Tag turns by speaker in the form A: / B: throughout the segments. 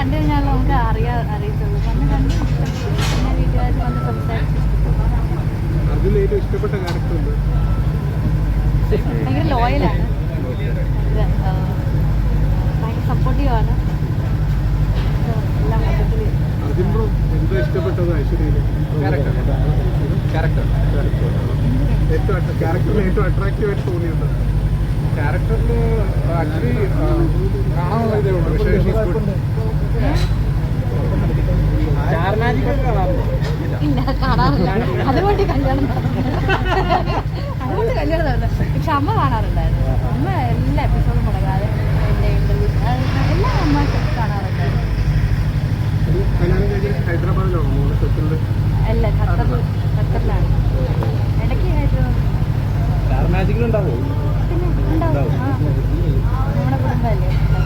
A: കണ്ടു കഴിഞ്ഞാൽ നമുക്ക് അറിയത്തുള്ളൂ. വന്ന് കണ്ട് പിന്നെ വീട്ടുകാർ വന്ന് സംസാരിച്ചു.
B: ഇഷ്ടപ്പെട്ട ക്യാരക്ടർ ഉണ്ട്?
A: ഭയങ്കര ലോയലാണ്, ഭയങ്കര സപ്പോർട്ടീവാണ്. എല്ലാം മൊത്തത്തിൽ
B: ഇഷ്ടപ്പെട്ടത് ഐശ്വര്യയിലെ ക്യാരക്ടറിൽ ഏറ്റവും അട്രാക്റ്റീവ് ആയിട്ട് തോന്നിയുണ്ട്? ക്യാരക്ടറിൽ ആക്ച്വലി കാണാനുള്ള ഇതേ ഉള്ളൂ. പക്ഷേ
A: ഇല്ല, കാണാറില്ല. അതുകൊണ്ട് കല്യാണം അതുകൊണ്ട് കല്യാണം നടന്നു. പക്ഷെ അമ്മ കാണാറുണ്ടായിരുന്നു. അമ്മ എല്ലാ എപ്പിസോഡും മുടങ്ങാതെ എൻ്റെ ഇൻ്റർവ്യൂസ് എല്ലാം അമ്മ കാണാറുണ്ടായിരുന്നു.
B: ഹൈദരാബാദിലാണോ?
A: അല്ല, ഖത്തറിലാണ്. ഇടയ്ക്ക് ഹൈദരാബാദ് പിന്നെ ഉണ്ടാവും. നമ്മുടെ കുടുംബമല്ലേ.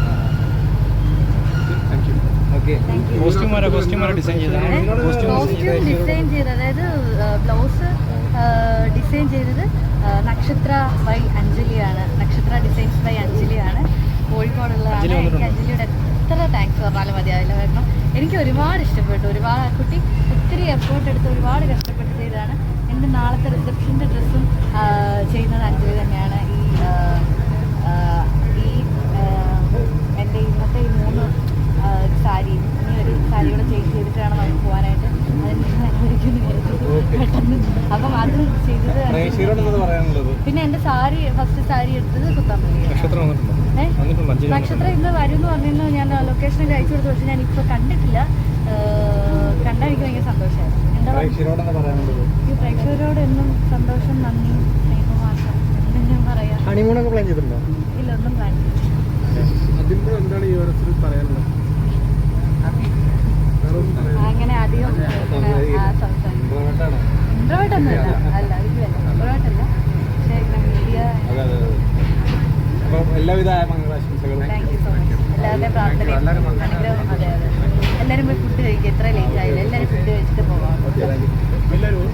C: കോസ്റ്റ്യൂം ഡിസൈൻ
A: ചെയ്ത്, അതായത് ബ്ലൗസ് ഡിസൈൻ ചെയ്തത് നക്ഷത്ര ബൈ അഞ്ജലിയാണ്. നക്ഷത്ര ഡിസൈൻസ് ബൈ അഞ്ജലിയാണ്, കോഴിക്കോടുള്ളതാണ്. എനിക്ക് അഞ്ജലിയുടെ എത്ര താങ്ക്സ് പറഞ്ഞാലും മതിയാവില്ല. കാരണം എനിക്ക് ഒരുപാട് ഇഷ്ടപ്പെട്ടു. ഒരുപാട് കുട്ടി ഒത്തിരി എഫേർട്ട് എടുത്ത് ഒരുപാട് കഷ്ടപ്പെട്ട് ചെയ്തതാണ്. എൻ്റെ നാളത്തെ റിസപ്ഷൻ്റെ ഡ്രസ്സും ചെയ്യുന്നത് അഞ്ജലി തന്നെയാണ്. എൻ്റെ ഇന്നത്തെ ഈ 3 സാരി, ഇനി ഒരു സാരി കൂടെ ചേഞ്ച് ചെയ്തിട്ട് വേണം നമുക്ക് പോകാനായിട്ട്. അതിന് അനുവദിക്കുന്നു പെട്ടെന്ന്. അപ്പം അത് ചെയ്തത്. പിന്നെ എൻ്റെ സാരി, ഫസ്റ്റ് സാരി എടുത്തത് കുത്താമ്പള്ളിയാണ്. നക്ഷത്ര ഇന്ന് വരും എന്ന് പറഞ്ഞിരുന്നു. ഞാൻ ലൊക്കേഷനൊക്കെ അയച്ചു കൊടുത്തു. പക്ഷെ ഞാൻ ഇപ്പോൾ കണ്ടിട്ടില്ല. കണ്ടാൽ എനിക്ക് ഭയങ്കര സന്തോഷമായിരുന്നു. എന്താ ഈ പ്രേക്ഷകരോട് എന്നും സന്തോഷം, നന്ദി, സ്നേഹമാസം എന്തെങ്കിലും പറയാം.
C: ഹണിമൂണൊക്കെ പ്ലാൻ ചെയ്തിട്ടുണ്ടോ?
A: ഇല്ല, ഒന്നും പ്ലാൻ ചെയ്തിട്ടില്ല.
B: എന്താണ് ഈ അവസരത്തിൽ പറയാനുള്ളത്?
A: അങ്ങനെ അധികം ഇൻട്രോവേർട്ടൊന്നുമില്ല. അല്ല, ഇതിലല്ല ഇൻട്രോവേർട്ടല്ല. പക്ഷേ മീഡിയ.
C: എല്ലാവിധ മംഗളാശംസകളും.
A: Thank you so much. എല്ലാവരുടെയും പ്രാർത്ഥനയും അനുഗ്രഹം. അതെ, എല്ലാവരും പോയി ഫുഡ് കഴിക്കുക. ഇത്ര ലേറ്റ് ആയില്ല. എല്ലാവരും ഫുഡ് കഴിച്ചിട്ട് പോകാം.